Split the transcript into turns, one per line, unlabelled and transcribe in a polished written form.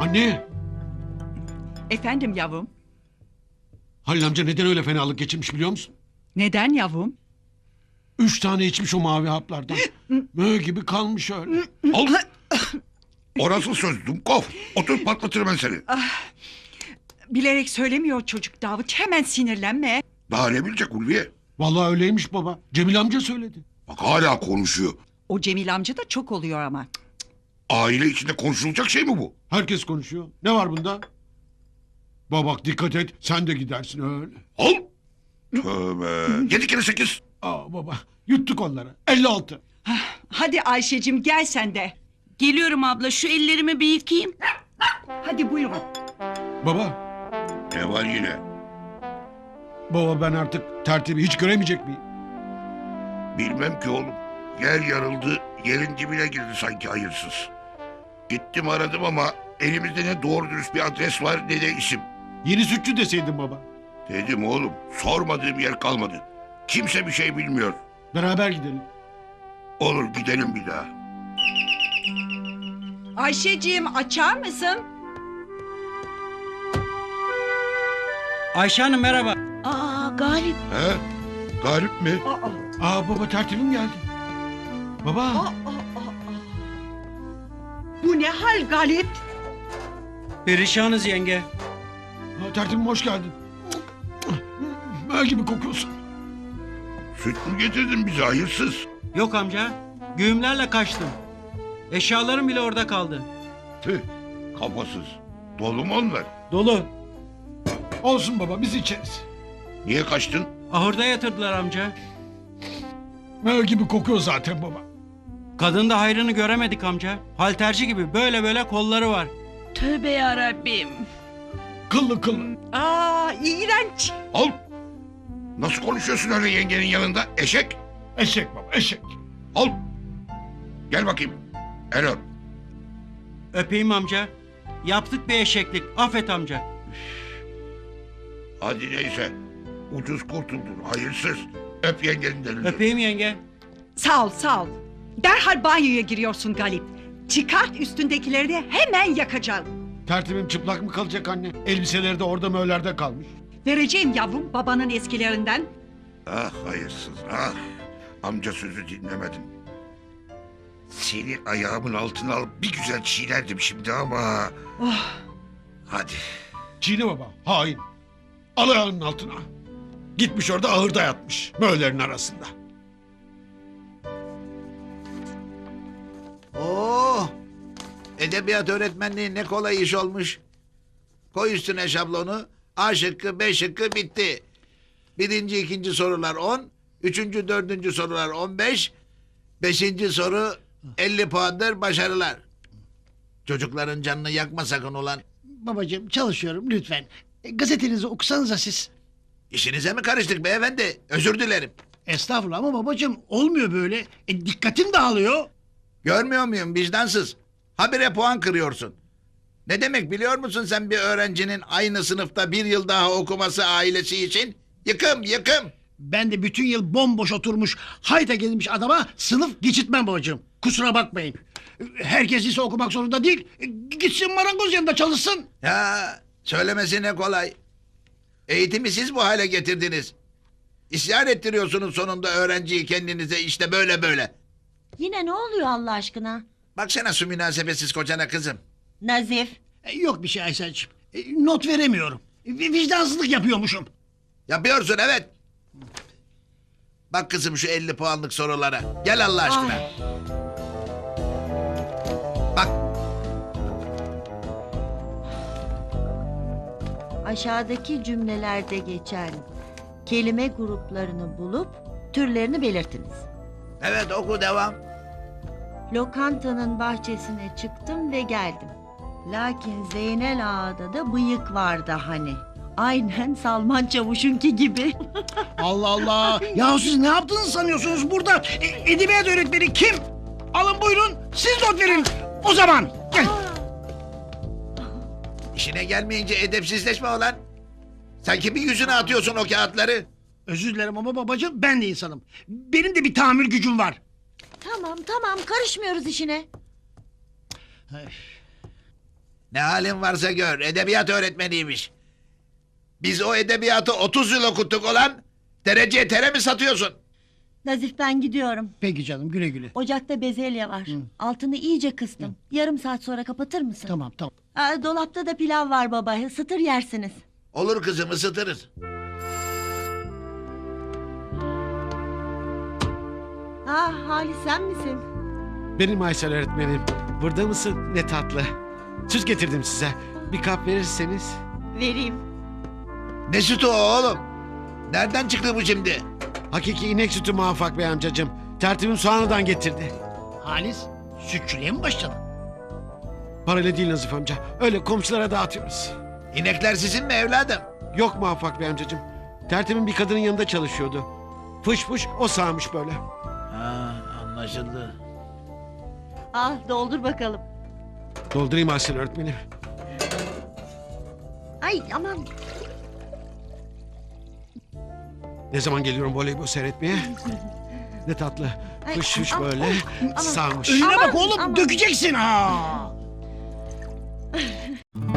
Anne!
Efendim yavrum?
Halil amca neden öyle fenalık geçirmiş biliyor musun?
Neden yavrum?
3 tane içmiş o mavi haplardan. Mö gibi kalmış öyle.
Al. O nasıl söz Dumkov? Otur patlatırım ben seni.
Bilerek söylemiyor çocuk Davut. Hemen sinirlenme.
Daha ne bilecek Ulviye?
Vallahi öyleymiş baba. Cemil amca söyledi.
Bak hala konuşuyor.
O Cemil amca da çok oluyor ama.
Aile içinde konuşulacak şey mi bu?
Herkes konuşuyor. Ne var bunda? Baba dikkat et. Sen de gidersin öyle.
Al. Tövbe. 7 kere 8.
Aa baba yuttuk onları. 56.
Hadi Ayşe'cim gel sen de.
Geliyorum abla, şu ellerimi bir yıkayayım.
Hadi buyurun.
Baba.
Ne var yine?
Baba ben artık tertibi hiç göremeyecek miyim?
Bilmem ki oğlum. Yer yarıldı, yerin dibine girdi sanki hayırsız. Gittim aradım ama elimizde ne doğru dürüst bir adres var ne de isim.
Yeni sütçü deseydin baba.
Dedim oğlum, sormadığım yer kalmadı. Kimse bir şey bilmiyor.
Beraber gidelim.
Olur gidelim bir daha.
Ayşe'cim açar mısın?
Ayşe Hanım merhaba.
Aa Galip.
He? Galip mi?
Aa baba tertibim geldi. Baba.
Bu ne hal Galip?
Perişanız yenge.
Tertibim hoş geldin. Mö gibi kokuyorsun.
Süt mü getirdin bize hayırsız?
Yok amca. Güğümlerle kaçtım. Eşyalarım bile orada kaldı.
Tüh, kafasız. Dolu mu onlar?
Dolu.
Olsun baba biz içeriz.
Niye kaçtın?
Ahırda yatırdılar amca.
Mö gibi kokuyor zaten baba.
Kadın da hayrını göremedik amca. Halterci gibi böyle böyle kolları var.
Tövbe yarabbim.
Kıllı kıllı.
Aa iğrenç.
Al. Nasıl konuşuyorsun öyle yengenin yanında? Eşek.
Eşek baba eşek.
Al. Gel bakayım. El öp.
Öpeyim amca. Yaptık bir eşeklik. Affet amca.
Hadi neyse. Ucuz kurtuldun hayırsız. Öp yengenin elini.
Öpeyim yenge.
Sağ ol sağ ol. Derhal banyoya giriyorsun Galip. Çıkart üstündekileri de hemen yakacağım.
Tertibim çıplak mı kalacak anne? Elbiseleri de orada möllerde kalmış.
Vereceğim yavrum babanın eskilerinden.
Ah hayırsız ah. Amca sözü dinlemedin. Seni ayağımın altına alıp bir güzel çiğnerdim şimdi ama.
Oh.
Hadi.
Çiğne baba hain. Al ayağının altına. Gitmiş orada ahırda yatmış. Möllerin arasında.
Oo! Edebiyat öğretmenliği ne kolay iş olmuş. Koy üstüne şablonu. A şıkkı, B şıkkı bitti. Birinci, ikinci sorular 10. Üçüncü, dördüncü sorular 15. Beşinci soru 50 puandır başarılar. Çocukların canını yakma sakın ulan.
Babacığım çalışıyorum lütfen. Gazetenizi okusanıza siz.
İşinize mi karıştık beyefendi? Özür dilerim.
Estağfurullah ama babacığım olmuyor böyle. Dikkatim dağılıyor.
Görmüyor muyum vicdansız? Habire puan kırıyorsun. Ne demek biliyor musun sen bir öğrencinin aynı sınıfta bir yıl daha okuması ailesi için? Yıkım yıkım.
Ben de bütün yıl bomboş oturmuş hayta gelmiş adama sınıf geçitmem babacığım. Kusura bakmayın. Herkes ise okumak zorunda değil. Gitsin marangoz yanında çalışsın.
Ya söylemesi ne kolay. Eğitimi siz bu hale getirdiniz. İsyan ettiriyorsunuz sonunda öğrenciyi kendinize işte böyle böyle.
Yine ne oluyor Allah aşkına?
Baksana şu münasebetsiz kocana kızım.
Nazif.
Yok bir şey Aysel'ciğim. Not veremiyorum. Vicdansızlık yapıyormuşum.
Yapıyorsun evet. Bak kızım şu 50 puanlık sorulara. Gel Allah aşkına.
Ay.
Bak
Aşağıdaki cümlelerde geçen kelime gruplarını bulup türlerini belirtiniz.
evet oku devam.
Lokantanın bahçesine çıktım ve geldim. Lakin Zeynel Ağa'da da bıyık vardı hani. Aynen Salman Çavuş'unki gibi.
Allah Allah. Ya siz ne yaptığınızı sanıyorsunuz burada? Edebiyat öğretmeni kim? Alın buyurun siz not verin. O zaman gel.
İşine gelmeyince edepsizleşme olan. Sen kimin yüzüne atıyorsun o kağıtları?
Özür dilerim ama babacığım ben de insanım. Benim de bir tahammül gücüm var.
Tamam tamam karışmıyoruz işine.
Ne halin varsa gör. Edebiyat öğretmeniymiş. Biz o edebiyatı 30 yıl okuttuk olan. Dereceye tere mi satıyorsun?
Nazif ben gidiyorum.
Peki canım güle güle.
Ocakta bezelye var. Altını iyice kıstım. Yarım saat sonra kapatır mısın?
Tamam tamam.
Dolapta da pilav var baba. Isıtır yersiniz.
Olur kızım, ısıtırız.
Halis sen misin?
Benim Aysel öğretmenim. Burada mısın? Ne tatlı. Süt getirdim size. Bir kap verirseniz.
Vereyim.
Ne sütü o oğlum? Nereden çıktı bu şimdi?
Hakiki inek sütü Muvaffak Bey amcacığım. Tertibim soğanıdan getirdi.
Halis sütçülüğe mi başladın?
Parayla değil Nazif amca. Öyle komşulara dağıtıyoruz.
İnekler sizin mi evladım?
Yok Muvaffak Bey amcacığım. Tertibim bir kadının yanında çalışıyordu. Fış fış o sağmış böyle.
Anlaşıldı.
Al doldur bakalım.
Doldurayım Aysel öğretmenim.
Ay aman.
Ne zaman geliyorum voleybol seyretmeye? Ne tatlı.
Ay,
Fış fış
aman,
böyle
aman.
sağmış.
Önüne
Aman,
bak oğlum
aman.
dökeceksin ha.